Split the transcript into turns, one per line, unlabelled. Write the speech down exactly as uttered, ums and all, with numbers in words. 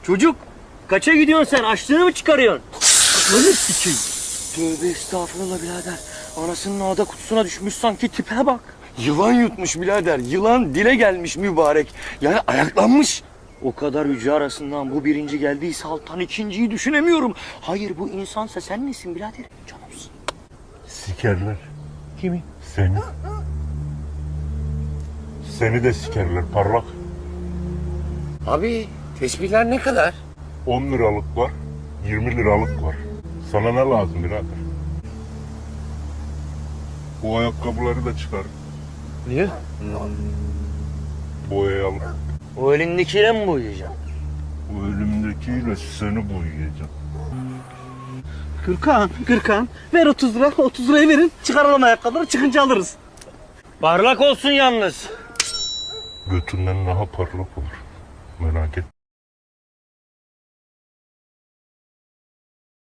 Çocuk kaça gidiyorsun sen? Açlığını mı çıkarıyorsun? Aklını sikeyim. Tövbe estağfurullah birader. Anasının ağda kutusuna düşmüş sanki, tipe bak.
Yılan yutmuş birader. Yılan dile gelmiş mübarek. Yani ayaklanmış.
O kadar yüce arasından bu birinci geldiyse alttan ikinciyi düşünemiyorum. Hayır bu insansa sen nesin birader? Canımsın.
Sikerler.
Kimi?
Seni. Seni de sikerler parlak.
Abi tesbihler ne kadar?
on liralık var, yirmi liralık var. Sana ne lazım birader? Bu ayakkabıları da çıkar.
Niye?
Boyayalım.
O elindekiyle mi boyayacaksın?
O elimdekiyle seni boyayacağım.
Gürkan, Gürkan ver otuz lira, otuz lirayı verin. Çıkaralım ayakkabıları, çıkınca alırız.
Parlak olsun yalnız.
Götünden daha parlak olur. Merak etme.